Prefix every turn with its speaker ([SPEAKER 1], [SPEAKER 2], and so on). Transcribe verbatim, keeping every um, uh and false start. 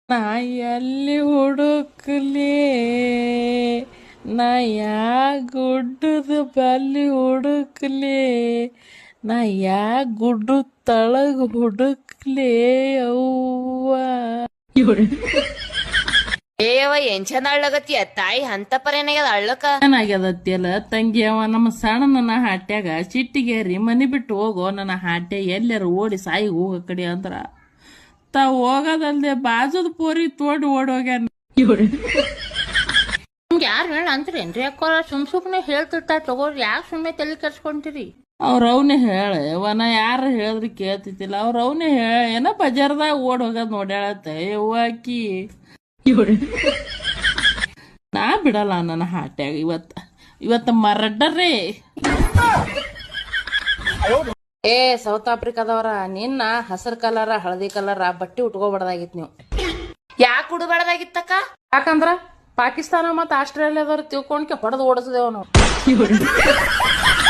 [SPEAKER 1] ನಾ ಎಲ್ಲಿ ಹುಡುಕ್ಲಿ ನಾ ಯಾ ಗುಡ್ಡದ ಬಲ್ಲಿ ಹುಡುಕ್ಲಿ ನಾ ಯಾ ಗುಡ್ಡ ತಳಗ ಹುಡುಕ್ಲಿ ಅವ್ವ
[SPEAKER 2] ಏಯವ ಏನ್ ಚಂದ ಅಳ್ಳಗತ್ತಿಯ ತಾಯಿ ಅಂತ ಪರೇನಾಗ್ಯದ ಅಳ್ಳಕ
[SPEAKER 1] ಏನಾಗ್ಯದತ್ತಿಯಲ್ಲ ತಂಗಿ ಅವ ನಮ್ಮ ಸಣ್ಣ ನನ್ನ ಹಾಟ್ಯಾಗ ಸಿಟ್ಟಿಗೇರಿ ಮನಿ ಬಿಟ್ಟು ಹೋಗೋ ನನ್ನ ಹಾಟ್ಯ ಎಲ್ಲಾರ ಓಡಿ ಸಾಯಿ ಹೋಗೋ ಕಡೆ ಅಂದ್ರ ತಾ ಹೋಗೋದಲ್ದೆ ಬಾಜುದ ಪೋರಿ ತೋಡ್ ಓಡೋಗ್ಯಾನ.
[SPEAKER 2] ನಿಮ್ಗೆ ಯಾರು ಹೇಳ ಅಂತೀರೇನ್ರಿ ಅಕ್ಕೋರ ಸುಮ್ ಸುಮ್ನೆ ಹೇಳ್ತಿರ್ತಾರ ತಗೋರಿ ಯಾಕೆ ಸುಮ್ಮನೆ ತಲೆ ಕೆಡ್ಸ್ಕೊಂತೀರಿ
[SPEAKER 1] ಅವ್ರ ಅವನೇ ಹೇಳ ವನ ಯಾರು ಹೇಳಿದ್ರೆ ಕೇಳ್ತಿದ್ದಿಲ್ಲ ಅವ್ರ ಅವನೇ ಹೇಳ ಏನೋ ಬಜಾರ್ದಾಗ ಓಡ್ ಹೋಗೋದ್ ನೋಡ್ಯಾಳತ್ತ ಯವ್ವಾಕಿ ನಾ ಬಿಡಲ್ಲ ನನ್ನ ಹಾಟ್ಯಾಗ ಇವತ್ತ ಇವತ್ತ ಮರಡ್ಡರೇ.
[SPEAKER 2] ಏ ಸೌತ್ ಆಫ್ರಿಕಾದವ್ರ ನಿನ್ನ ಹಸಿರು ಕಲರ ಹಳದಿ ಕಲರ ಬಟ್ಟೆ ಉಟ್ಕೋಬಾರ್ದಾಗಿತ್ ನೀವು ಯಾಕೆ ಉಡಬಾರ್ದಾಗಿತ್ತಕ್ಕ
[SPEAKER 1] ಯಾಕಂದ್ರ ಪಾಕಿಸ್ತಾನ ಮತ್ತ ಆಸ್ಟ್ರೇಲಿಯಾದವ್ರು ತಿಳ್ಕೊಂಡ್ಕೆ ಹೊಡೆದು ಓಡಿಸಿದೇವ್ ನಾವು.